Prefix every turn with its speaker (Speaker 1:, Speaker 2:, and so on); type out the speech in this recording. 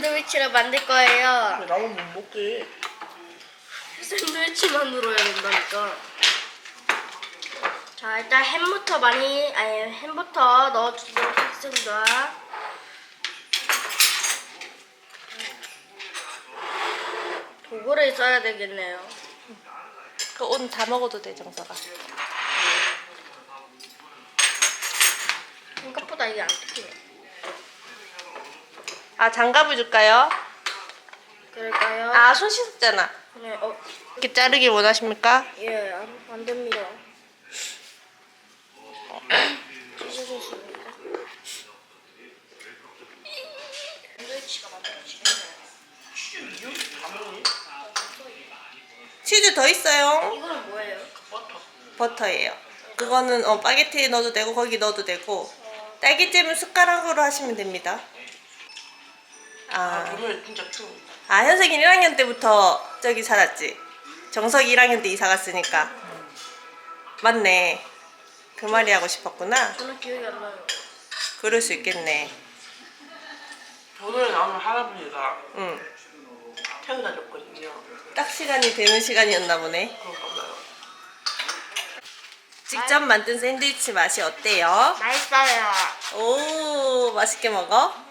Speaker 1: 샌드위치를 만들 거예요.
Speaker 2: 나만 못 먹게.
Speaker 1: 샌드위치만으로 해야 된다니까. 자, 일단 햄부터 넣어주도록 하겠습니다. 도구를 써야 되겠네요.
Speaker 3: 그 오늘 다 먹어도 돼, 정서가.
Speaker 1: 생각보다 이게 안 뜯기네.
Speaker 3: 아, 장갑을 줄까요?
Speaker 1: 그럴까요?
Speaker 3: 아, 손 씻었잖아.
Speaker 1: 네,
Speaker 3: 이렇게 자르길 원하십니까?
Speaker 1: 예, 안 됩니다. 찢어졌습니다. 샌드위치가 만들어지겠네요.
Speaker 3: 치즈 더 있어요.
Speaker 1: 이거는 뭐예요?
Speaker 3: 버터예요. 그거는 파게티에 넣어도 되고 거기 넣어도 되고 딸기잼은 숟가락으로 하시면 됩니다.
Speaker 2: 오늘 진짜 추워.
Speaker 3: 현석이 1학년 때부터 저기 살았지? 정석이 1학년 때 이사 갔으니까. 맞네. 그 말이 하고 싶었구나.
Speaker 1: 저는 기억이 안 나요.
Speaker 3: 그럴 수 있겠네.
Speaker 2: 오늘 나오는 할아버지가
Speaker 3: 응.
Speaker 2: 태워다 줬거든요.
Speaker 3: 딱 시간이 되는 시간이었나 보네.
Speaker 2: 그런가 봐요.
Speaker 3: 직접 만든 샌드위치 맛이 어때요?
Speaker 1: 맛있어요.
Speaker 3: 오, 맛있게 먹어?